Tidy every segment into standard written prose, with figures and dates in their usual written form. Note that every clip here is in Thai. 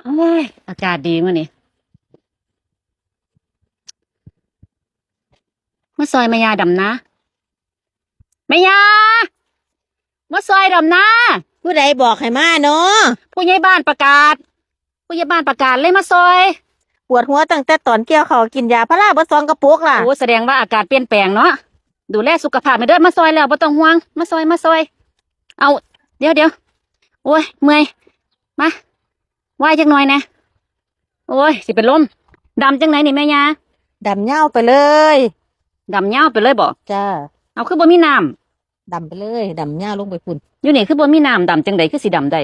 โอ้ยอากาศดีมื้อนี้มาซอยแม่ยาดำนะแม่ยามาซอยดำนะผู้ใดบอกให้มาเนาะผู้ใหญ่บ้านประกาศผู้ใหญ่บ้านประกาศเลยมาซอยปวดหัวตั้งแต่ตอนเกี่ยวเขาวกินยาพาราเบิด2 กระปุกล่ะโอ้แสดงว่าอากาศเปลี่ยนแปลงเนาะดูแลสุขภาพไปเด้อมาซอยแล้วบ่ต้องห่วงมาซอยเอาเดี๋ยวโอ้ยเมื่อยมาไหวจักหน่อยนะโอ้ยสิเป็นลมดำจังไหนนี่แม่ยาดำเหย้าไปเลยดำยาวไปเลยบ่จ้าเอาคือบ่มีน้ดำไปเลยดำเหย้าลงไปพุ่นำอยู่นี่คือบ่มีน้ำดำจังใดคือสิดำได้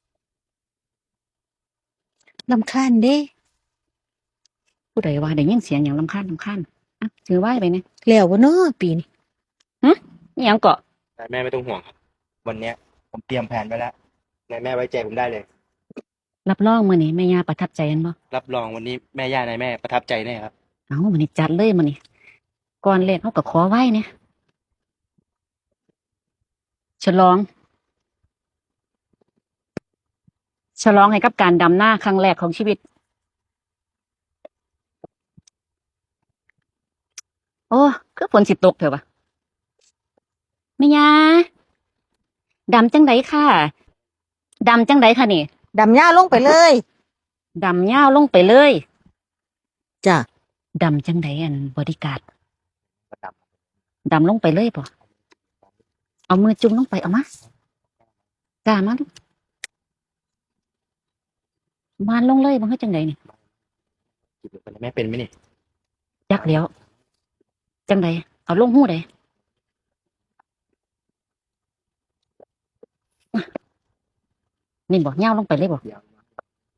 รำคาญเด้ผู้ใดว่าได้ยินเสียงอย่างรำคาญอ่ะถือไหว้ไปเนี่ยแล้วบ่เนาะปีนี้นี่ยังเกาะนายแม่ไม่ต้องห่วงครับวันเนี้ยผมเตรียมแผนไว้แล้วนายแม่ไว้ใจผมได้เลยรับรองมื้อนี้แม่ย่าประทับใจอันบ่รับรองวันนี้แม่ย่านายแม่ประทับใจแน่ครับเอามื้อนี้จัดเลยมื้อนี้ก่อนแรกเฮาก็ขอไหว้เนี่ยฉลองให้กับการดำนาครั้งแรกของชีวิตโอ้คือฝนสิตกเถอะวะแม่ย่าดำจังไดค่ะดำจังไดค่ะนี่ดำเหย้าลงไปเลยดำยาวลงไปเลยจ้าดำจังไดอันบอดี้การ์ดประดับดำลงไปเลยป่ะเอามือจุ่มลงไปเอามากล้ามาลูกวานลงเลยมันให้จังไดนี่จีบนายแม่เป็นไหมนี่ยักแล้วจังไดเอาลงหู้ไดนี่บอกย่าวลงไปเลยบอกยาวมาก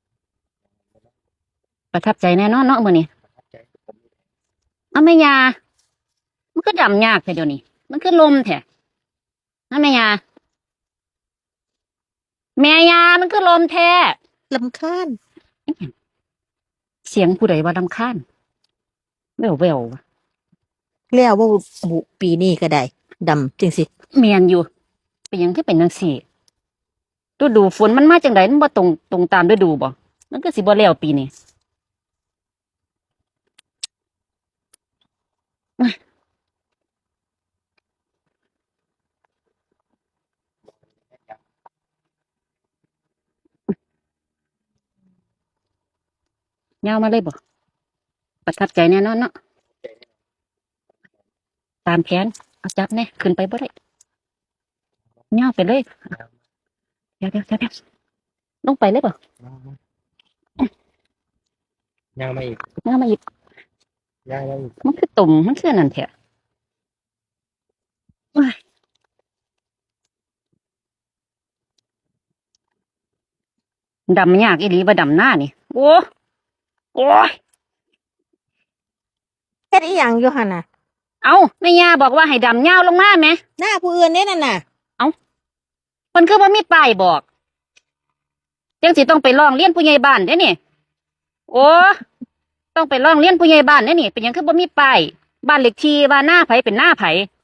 ประทับใจแน่นอนเนาะมื้อนี้ประทับใจผมเอาแม่ยามันก็ดำยากแท้เดี๋ยวนี้มันคือลมแท้นะแม่ยามันคือลมแท้รำคาญเสียงผู้ใดว่ารำคาญแวววะแล้วบ่บุปีนี้ก็ได้ดำจังสิเมียนอยู่เป็นหยังคือเป็นจังซี่ฤดูฝนมันมาจังไดมันบ่ตรงตามฤดูบ่มันก็สิบ่แล้วปีนี้ยาวมาเลยบ่ประทับใจแน่นอนเนาะตามแผนเอาจับแน่ขึ้นไปบ่ได้ยาวไปเลยเดี๋ยวลงไปเลยบ่ย่างมาอีกยาวมาอีกย่างมาอีกมันคือตุ่มมันคือนั่นแท้ว้ายดำยากอีหลีบ่ดำหน้านี่โอ้ยเฮ็ดอีหยังอยู่หั่นน่ะเอาแม่ย่าบอกว่าให้ดำยาวลงมาแหมหน้าผู้อื่นเด้นั่นน่ะเพิ่นคือบ่มีป้ายบอกจังสิต้องไปร้องเรียนผู้ใหญ่บ้านเด้นี่โอ้ต้องไปร้องเรียนผู้ใหญ่บ้านเด้นี่เป็นหยังคือบ่มีป้ายบ้านเลขที่ว่าหน้าไผเป็นหน้าไผ